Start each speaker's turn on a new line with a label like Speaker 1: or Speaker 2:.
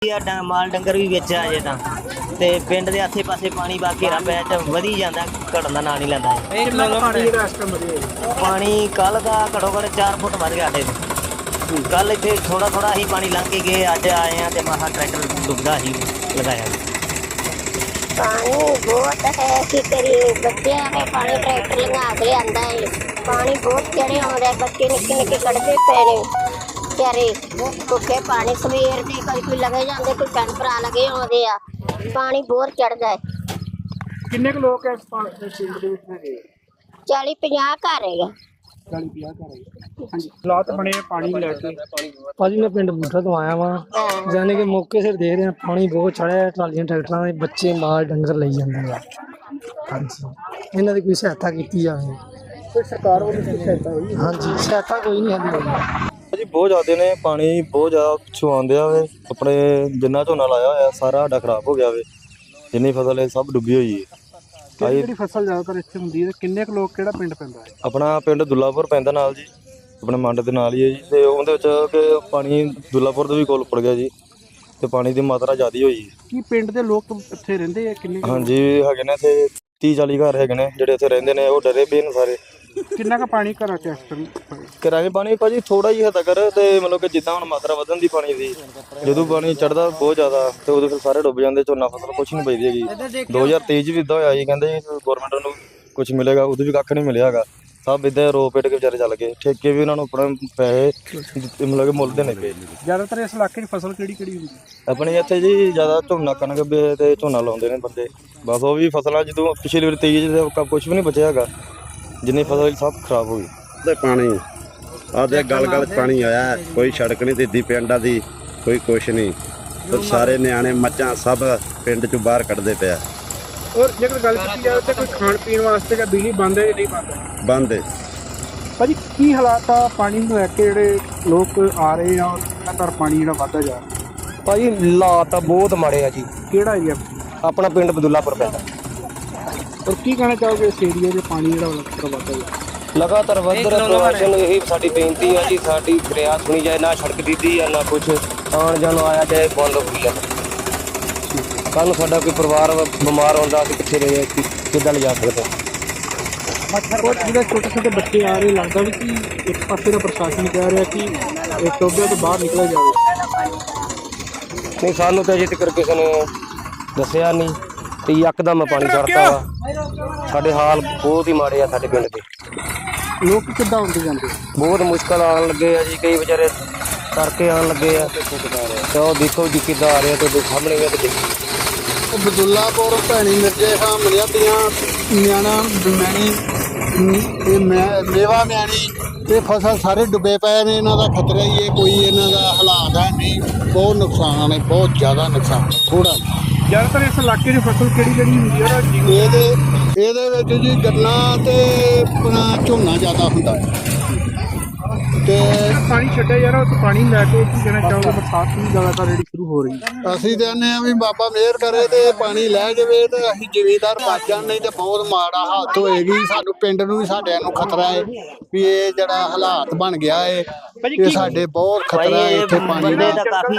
Speaker 1: माल डंगर भी विच आ जाए तो पिंड के आसे पासे पानी बा घेरा पै वधी जाता, घटन का ना नहीं लैंदा पानी। कल का घट्टो घट्ट 4 फुट वध गया साडे। कल इत्थे थोड़ा थोड़ा ही पानी लंघ के गए, अज आए हैं तो महा ट्रैक्टर डुबदा ही लगाया।
Speaker 2: पानी बहुत है कि करिए, बच्चे हमें पानी ट्रैक्टर लंघा के लिया है। पानी बहुत चढ़े आउंदा, बच्चे निक्के निक्के कड़दे पे ने बेचारे भुखे पानी सवेर के कभी कोई लगे जाते, कोई भैन भरा लगे आउंदे आ। पानी बहुत चढ़दा है।
Speaker 3: किन्ने लोग है इस फील्ड ਦੇ ਵਿੱਚ ਹੈਗੇ?
Speaker 2: 40-50 घर है।
Speaker 3: 40-50 ਘਰ ਹੈ। ਹਾਂਜੀ, ਹਾਲਾਤ ਬਣੇ ਪਾਣੀ ਲੈ ਕੇ।
Speaker 4: ਭਾਜੀ ਮੈਂ ਪਿੰਡ ਬੂਠਾ ਤੋਂ ਆਇਆ ਵਾਂ, ਜਾਨੇ ਕਿ ਮੌਕੇ ਸਿਰ ਦੇਖ ਰਿਹਾ ਪਾਣੀ ਬਹੁਤ ਚੜਿਆ, ਟਰਾਲੀਆਂ ਟਰੈਕਟਰਾਂ ਦੇ ਬੱਚੇ ਮਾਲ ਡੰਗਰ ਲਈ ਜਾਂਦੇ ਆ। ਹਾਂਜੀ, ਇਹਨਾਂ ਦੀ ਕੋਈ ਸਹਾਇਤਾ ਕੀਤੀ ਜਾਵੇ।
Speaker 3: ਕੋਈ ਸਰਕਾਰ ਵੱਲੋਂ ਕੋਈ ਸਹਾਇਤਾ ਹੋਈ?
Speaker 4: ਹਾਂਜੀ, ਸਹਾਇਤਾ ਕੋਈ ਨਹੀਂ ਆਉਂਦੀ
Speaker 5: ਜੀ। ਬਹੁਤ ਜ਼ਿਆਦਾ ਨੇ, ਪਾਣੀ ਬਹੁਤ ਜ਼ਿਆਦਾ ਪਿੱਛੋਂ ਆਉਂਦੇ ਆ ਵੇ। ਆਪਣੇ ਜਿੰਨਾ ਝੋਨਾ ਲਾਇਆ ਹੋਇਆ ਸਾਰਾ ਸਾਡਾ ਖਰਾਬ ਹੋ ਗਿਆ ਵੇ, ਜਿੰਨੀ ਫਸਲ ਹੈ ਸਭ ਡੁੱਬੀ ਹੋਈ ਹੈ।
Speaker 3: ਜਿਹੜੀ ਫਸਲ ਜ਼ਿਆਦਾਤਰ ਇੱਥੇ ਹੁੰਦੀ ਹੈ, ਕਿੰਨੇ ਕੁ ਲੋਕ ਕਿਹੜਾ ਪਿੰਡ ਪੈਂਦਾ ਹੈ?
Speaker 5: ਆਪਣਾ ਪਿੰਡ ਦੁੱਲਾਪੁਰ ਪੈਂਦਾ ਨਾਲ ਜੀ, ਆਪਣੇ ਮੰਡ ਦੇ ਨਾਲ ਹੀ ਹੈ ਜੀ। ਤੇ ਉਹਦੇ ਵਿੱਚ ਕਿ ਪਾਣੀ ਦੁੱਲਾਪੁਰ ਤੋਂ ਵੀ ਕੋਲ ਉੱਪੜ ਗਿਆ ਜੀ, ਤੇ ਪਾਣੀ ਦੀ ਮਾਤਰਾ ਜ਼ਿਆਦਾ ਹੋਈ ਹੈ।
Speaker 3: ਕੀ ਪਿੰਡ ਦੇ ਲੋਕ ਇੱਥੇ ਰਹਿੰਦੇ ਆ? ਕਿੰਨੇ
Speaker 5: ਹਾਂਜੀ ਹੈਗੇ ਨੇ ਇੱਥੇ 30-40 ਘਰ ਹੈਗੇ ਨੇ ਜਿਹੜੇ ਇੱਥੇ ਰਹਿੰਦੇ ਨੇ, ਉਹ ਡਰੇ ਪਏ ਨੇ ਸਾਰੇ।
Speaker 3: ਕਿੰਨਾ ਕੁ ਪਾਣੀ ਘਰਾਂ 'ਚ ਇਸ ਟਾਈਮ?
Speaker 5: ਘਰਾਂ 'ਚ ਪਾਣੀ ਭਾਜੀ ਥੋੜਾ ਹੀ ਹੱਦ ਕਰ, ਤੇ ਮਤਲਬ ਕਿ ਜਿੱਦਾਂ ਹੁਣ ਮਾਤਰਾ ਵਧਣ ਦੀ ਪਾਣੀ ਦੀ, ਜਦੋਂ ਪਾਣੀ ਚੜਦਾ ਬਹੁਤ ਜ਼ਿਆਦਾ ਤੇ ਉਦੋਂ ਫਿਰ ਸਾਰੇ ਡੁੱਬ ਜਾਂਦੇ, ਝੋਨਾ ਫਸਲ ਕੁਛ ਨਹੀਂ ਬਚਦੀ ਹੈਗੀ। 2023 'ਚ ਵੀ ਇੱਦਾਂ ਹੋਇਆ ਜੀ, ਕਹਿੰਦੇ ਗੌਰਮੈਂਟ ਨੂੰ ਕੁਛ ਮਿਲੇਗਾ, ਉਦੋਂ ਵੀ ਕੱਖ ਨਹੀਂ ਮਿਲਿਆ ਹੈਗਾ। ਸਭ ਇੱਦਾਂ ਰੋ ਪਿੱਟ ਕੇ ਵਿਚਾਰੇ ਚੱਲ ਗਏ, ਠੇਕੇ ਵੀ ਉਹਨਾਂ ਨੂੰ ਆਪਣੇ ਪੈਸੇ ਮਤਲਬ ਕਿ ਮੁੱਲ ਦੇਣੇ ਪਏ।
Speaker 3: ਜ਼ਿਆਦਾਤਰ ਇਸ ਇਲਾਕੇ 'ਚ ਫਸਲ ਕਿਹੜੀ ਹੁੰਦੀ?
Speaker 5: ਆਪਣੇ ਇੱਥੇ ਜੀ ਜ਼ਿਆਦਾ ਝੋਨਾ ਕਣਕ ਤੇ ਝੋਨਾ ਲਾਉਂਦੇ ਨੇ ਬੰਦੇ, ਬਸ ਉਹ ਵੀ ਫਸਲਾਂ ਜਦੋਂ ਪਿਛਲੀ ਵਾਰ 23 'ਚ ਕੁਛ ਵੀ ਨਹੀਂ ਬਚਿਆ ਹੈਗਾ, ਜਿੰਨੀ ਫਸਲ ਸਭ ਖਰਾਬ ਹੋ ਗਈ।
Speaker 6: ਤੇ ਪਾਣੀ ਆਦੇ ਗਲ ਪਾਣੀ ਆਇਆ, ਕੋਈ ਸੜਕ ਨਹੀਂ ਦਿੱਦੀ ਪਿੰਡਾਂ ਦੀ, ਕੋਈ ਕੁਛ ਨਹੀਂ। ਤੇ ਸਾਰੇ ਨਿਆਣੇ ਮੱਝਾਂ ਸਭ ਪਿੰਡ ਚੋਂ ਬਾਹਰ ਕੱਢਦੇ ਪਿਆ।
Speaker 3: ਔਰ ਜੇਕਰ ਗੱਲ ਕੀਤੀ ਜਾਵੇ ਤਾਂ ਕੋਈ ਖਾਣ ਪੀਣ ਵਾਸਤੇ ਜਾਂ ਬਿਜਲੀ ਬੰਦ ਹੈ ਜਾਂ ਨਹੀਂ ਬੰਦ?
Speaker 6: ਬੰਦ ਹੈ
Speaker 3: ਭਾਜੀ ਕੀ ਹਾਲਾਤ ਆ ਪਾਣੀ ਨੂੰ ਲੈ ਕੇ, ਜਿਹੜੇ ਲੋਕ ਆ ਰਹੇ ਆ ਲਗਾਤਾਰ ਪਾਣੀ ਜਿਹੜਾ ਵੱਧਦਾ ਜਾ ਰਿਹਾ?
Speaker 4: ਭਾਜੀ ਹਾਲਾਤ ਤਾਂ ਬਹੁਤ ਮਾੜੇ ਆ ਜੀ।
Speaker 3: ਕਿਹੜਾ ਏਰੀਆ?
Speaker 4: ਆਪਣਾ ਪਿੰਡ ਬਦੁੱਲਾਪੁਰ ਪੈਂਦਾ।
Speaker 3: ਔਰ ਕੀ ਕਹਿਣਾ ਚਾਹੋਗੇ ਇਸ ਏਰੀਆ 'ਚ ਪਾਣੀ ਜਿਹੜਾ ਲਗਾਤਾਰ ਵੱਧਦਾ ਜਾ ਰਿਹਾ?
Speaker 4: ਲਗਾਤਾਰ ਵੱਧ ਰਿਹਾ ਪ੍ਰਸ਼ਾਸਨ, ਇਹੀ ਸਾਡੀ ਬੇਨਤੀ ਆ ਜੀ, ਸਾਡੀ ਫਰਿਆਦ ਸੁਣੀ ਜਾਏ। ਨਾ ਸੜਕ ਦਿੱਤੀ ਆ, ਨਾ ਕੁਛ ਆਉਣ ਜਾਣ ਆਇਆ ਜਾਏ, ਬੰਦ ਹੋ ਗਈ ਆ। ਕੱਲ੍ਹ ਨੂੰ ਸਾਡਾ ਕੋਈ ਪਰਿਵਾਰ ਬਿਮਾਰ ਹੁੰਦਾ, ਅਸੀਂ ਕਿੱਥੇ ਰਹੇ ਕਿੱਦਾਂ ਲਿਜਾ ਸਕਦੇ?
Speaker 3: ਔਰ ਜਿਹੜੇ ਛੋਟੇ ਛੋਟੇ ਬੱਚੇ ਆ ਰਹੇ, ਲੱਗਦਾ ਵੀ ਕਿ ਇੱਕ ਪਾਸੇ ਦਾ ਪ੍ਰਸ਼ਾਸਨ ਕਹਿ ਰਿਹਾ ਕਿ ਇਹ ਟੋਬੇ ਤੋਂ ਬਾਹਰ ਨਿਕਲਿਆ ਜਾਵੇ।
Speaker 4: ਨਹੀਂ, ਸਾਨੂੰ ਤਾਂ ਅਜੇ ਤੱਕ ਕਿਸੇ ਨੇ ਦੱਸਿਆ ਨਹੀਂ, ਤੇ ਯਕਦਮ ਪਾਣੀ ਚੜ੍ਹਦਾ ਵਾ। ਸਾਡੇ ਹਾਲ ਬਹੁਤ ਹੀ ਮਾੜੇ ਆ ਸਾਡੇ ਪਿੰਡ ਦੇ।
Speaker 3: ਲੋਕ ਕਿੱਦਾਂ ਆਉਂਦੇ ਜਾਂਦੇ?
Speaker 4: ਬਹੁਤ ਮੁਸ਼ਕਲ ਆਉਣ ਲੱਗੇ ਆ ਜੀ, ਕਈ ਵਿਚਾਰੇ ਕਰਕੇ ਆਉਣ ਲੱਗੇ ਆ। ਤੇ ਉਹ ਦੇਖੋ ਜੀ ਕਿੱਦਾਂ ਆ ਰਿਹਾ, ਤੁਹਾਡੇ ਸਾਹਮਣੇ ਵੀ ਦੇਖੋ।
Speaker 7: ਬਦੁੱਲਾਪੁਰ ਭੈਣੀ ਮਿਰਜੇ ਖਾਂ ਮਲਿਆਦੀਆਂ ਨਿਆਣਾ ਮੈਣੀ ਤੇ ਮੇਵਾ ਮੈਣੀ ਤੇ ਫਸਲ ਸਾਰੇ ਡੁੱਬੇ ਪਏ ਨੇ। ਇਹਨਾਂ ਦਾ ਖਤਰਾ ਹੀ ਹੈ, ਕੋਈ ਇਹਨਾਂ ਦਾ ਹਾਲਾਤ ਹੈ ਨਹੀਂ। ਬਹੁਤ ਨੁਕਸਾਨ ਹੈ, ਬਹੁਤ ਜ਼ਿਆਦਾ ਨੁਕਸਾਨ, ਥੋੜਾ
Speaker 3: ਜ਼ਿਆਦਾਤਰ ਇਸ ਇਲਾਕੇ 'ਚ ਫਸਲ ਕਿਹੜੀ ਹੁੰਦੀ ਹੈ?
Speaker 7: ਇਹਦੇ ਵਿੱਚ ਜੀ ਗੰਨਾ ਤੇ ਆਪਣਾ ਝੋਨਾ ਜ਼ਿਆਦਾ ਹੁੰਦਾ ਹੈ। ਤੇ
Speaker 3: ਪਾਣੀ ਛੱਡਿਆ ਜਾ ਰਿਹਾ, ਉਸ ਪਾਣੀ ਲੈ ਕੇ ਕੀ ਕਹਿਣਾ ਚਾਹੋਗੇ? ਬਰਸਾਤ ਵੀ ਜ਼ਿਆਦਾਤਰ ਜਿਹੜੀ ਸ਼ੁਰੂ ਹੋ ਰਹੀ ਹੈ।
Speaker 7: ਅਸੀਂ ਕਹਿੰਦੇ ਹਾਂ ਵੀ ਬਾਬਾ ਮਿਹਰ ਕਰੇ ਤੇ ਪਾਣੀ ਲੈ ਜਾਵੇ ਤੇ ਅਸੀਂ ਜ਼ਿਮੀਂਦਾਰ ਬਚ ਜਾਣ, ਨਹੀਂ ਤੇ ਬਹੁਤ ਮਾੜਾ ਹਾਲਤ ਹੋਏਗੀ। ਸਾਨੂੰ ਪਿੰਡ ਨੂੰ ਵੀ ਸਾਡਿਆਂ ਨੂੰ ਖਤਰਾ ਹੈ ਵੀ ਇਹ ਜਿਹੜਾ ਹਾਲਾਤ ਬਣ ਗਿਆ ਹੈ, ਇਹ ਸਾਡੇ ਬਹੁਤ ਖਤਰਾ ਹੈ ਇੱਥੇ ਪਾਣੀ ਦਾ।